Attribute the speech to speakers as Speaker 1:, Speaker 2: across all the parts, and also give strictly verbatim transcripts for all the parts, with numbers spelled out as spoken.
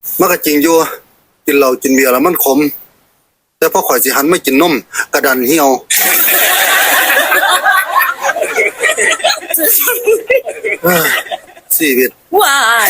Speaker 1: มันก็จริงอยู่กินเหล้ากินเบียร์แล้วมันขมแต่พอข่อยสิหันไม่กินนมกระดันเหี่ยวเอ้อชีวิต
Speaker 2: ว้าย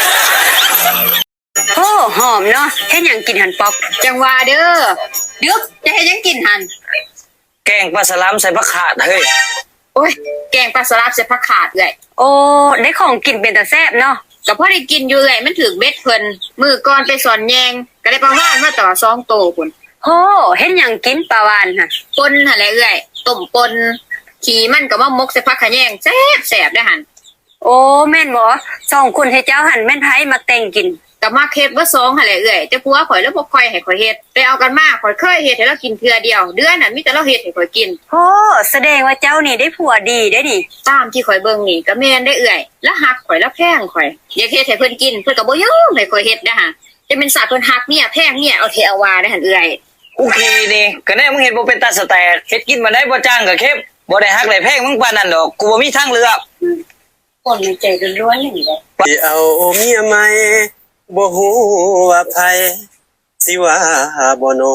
Speaker 2: โอ้หอมเนาะเฮ็ดหยังกินหันปอกจังว่าเด้อเดือกจะเฮ็ดหยังกินหัน
Speaker 3: แกงปลาสลามใส่ผักขาดเฮ้ย
Speaker 2: โอ้ยแกงปลาสลับใส่ผักขาดเอ้ยโอ้ได้ของกินเป็นตาแซ่บเนาะก็พอได้กินอยู่เอ้ยมันถึกเบ็ดเพิ่นมื้อก่อนไปสอนแยงก็ได้ประมาณมาต่อสองโตพุ่นโอ้เฮ็ดหยังกินปลาวานหั่นป่นหั่นแหละเอ้ยต้มป่นขี้มันก็มามกใส่ผักขะแยงแซ่บแซ่บเด้อหั่นโอ้แม่นบ่สองคนให้เจ้าหั่นแม่นไผมาแต่งกินก็มาเฮ็ดบ่สองหั่นแหละเอ้ยแต่ผัวข่อยแล้วบ่ค่อยให้ข่อยเฮ็ดไปเอากันมาข่อยเคยเฮ็ดให้เรากินเทื่อเดียวเดือนนั้นมีแต่เราเฮ็ดให้ข่อยกินโอ้แสดงว่าเจ้านี่ได้ผัวดีได้ดิตามที่ข่อยเบิ่งนี่ก็แม่นได้เอ้ยแล้วฮักข่อยแล้วแพงข่อยอยากเฮ็ดให้เพิ่นกินเพิ่นก็บ่ยอมให้ข่อยเฮ็ดนะฮะจะเป็นสัตว์เพิ่นฮักเนี่ยแพงเนี่ยเอาเทเอาว่าได้หั่นเอ้ย
Speaker 3: กูขี้นี่ก็แน่มึงเห็นบ่เป็นตาสแตกเฮ็ดกินมาได้บ่จ้างก็เข็บบ่ได้ฮักได้แพงมึงปานนั้นดอกกูบ่มีทางเลือก
Speaker 2: คนในใจล้วนๆนี่แหละ
Speaker 1: สิเอาเมียใหม่บ่ฮู้ว่าไผสิว่าบ่โน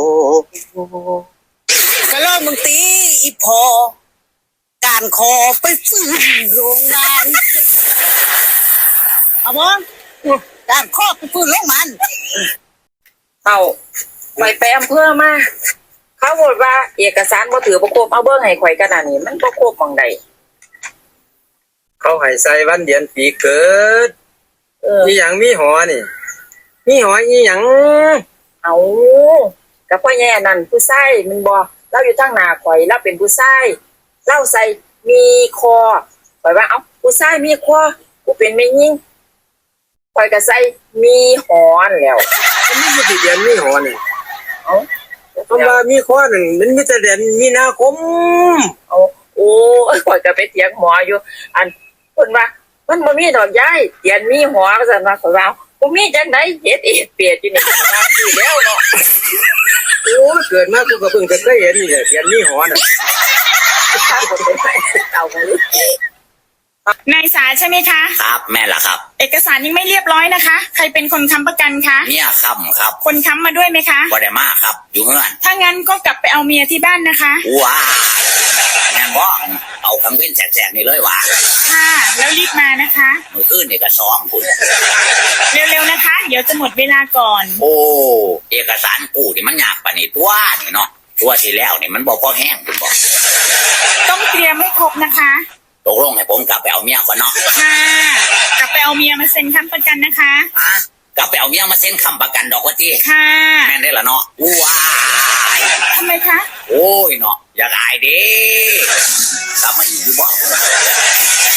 Speaker 4: ก็ลองมึงตีอีพอการคอไปซื้อโรงงานเอาบ่การคอไปซื้อโรงงาน
Speaker 5: เอาไปไปอำเภอมาเขาบอกว่าเอกสารบ่ถือบ่ครบเอาเบิ่งให้ข่อยกันน่ะนี่มันบ่ครบหม่องใด
Speaker 6: เขาให้ใส่วันเดือนปีเกิดเอออีหยังมีหอนี่มีหออีหยัง
Speaker 5: เอาก็พ่อแย่นั่นผู้ชายมันบ่เราอยู่ทางหน้าข่อยเราเป็นผู้ชายเราใส่มีคอข่อยว่าเอ้าผู้ชายมีคอกูเป็นแม่หญิงข่อยก็ใส่มีหอแล้ว
Speaker 6: มันมีอยู่ที่เดือนมีหอนี่
Speaker 5: เอ้า
Speaker 6: คำว่ามีข้อหนึ่งมันมีแต่เดือนมีนาคม
Speaker 5: เอาโอ้ข่อยก็ไปเถียงหมออยู่อันเพิ่นว่ามันบ่มีดอกยายเดือนมีหอว่าซั่นว่าข่อยว่าบ่มีจังได๋เฮ็ดเอ็ดเปียดอยู่นี่ว่าสิแล้วเนาะ
Speaker 6: โอ้เกิดมากูก็เพิ่งจะเคยเห็นนี่แหละเดือนมีหอน่ะ
Speaker 5: เอาไป
Speaker 7: นายสาใช่ไหมคะ
Speaker 8: ครับแม่ล่ะครับ
Speaker 7: เอกสารยังไม่เรียบร้อยนะคะใครเป็นคนค้ำประกันคะ
Speaker 8: เนี่ยค้ำครับ
Speaker 7: คนค้ำมาด้วยไหมคะ
Speaker 8: บ่ได้มาครับอยู่เฮือน
Speaker 7: ถ้างั้นก็กลับไปเอาเมียที่บ้านนะคะ
Speaker 8: ว้าแม่นบ่เอาคังเว้นแสกๆนี่เลยว่ะ
Speaker 7: ค่ะแล้วรีบมานะคะ
Speaker 8: มื้อคืนนี่ก็สองพุ่น
Speaker 7: เร็วๆนะคะเดี๋ยวจะหมดเวลาก่อน
Speaker 8: โอ้เอกสารกู้นี่มันยากปานนี้ตัวนี่เนาะตัวที่แล้วนี่มันบ่พอแห้งพุ่นบ่
Speaker 7: ต้องเตรียมให้ครบนะคะ
Speaker 8: ตกลงให้ผมกลับไปเอาเมียก่อนเนาะ
Speaker 7: ค่ะกลับไปเอาเมียมาเซ็นค้ำประกันนะคะ
Speaker 8: อ่ะกลับไปเอาเมียมาเซ็นค้ำประกันดอกว่าติ
Speaker 7: ค่ะ
Speaker 8: แม่นได้ล่ะเนาะว้าย
Speaker 7: ทำไมคะ
Speaker 8: โอ้ยเนาะอยากอายเด้กลับมาอีกอยู่บ่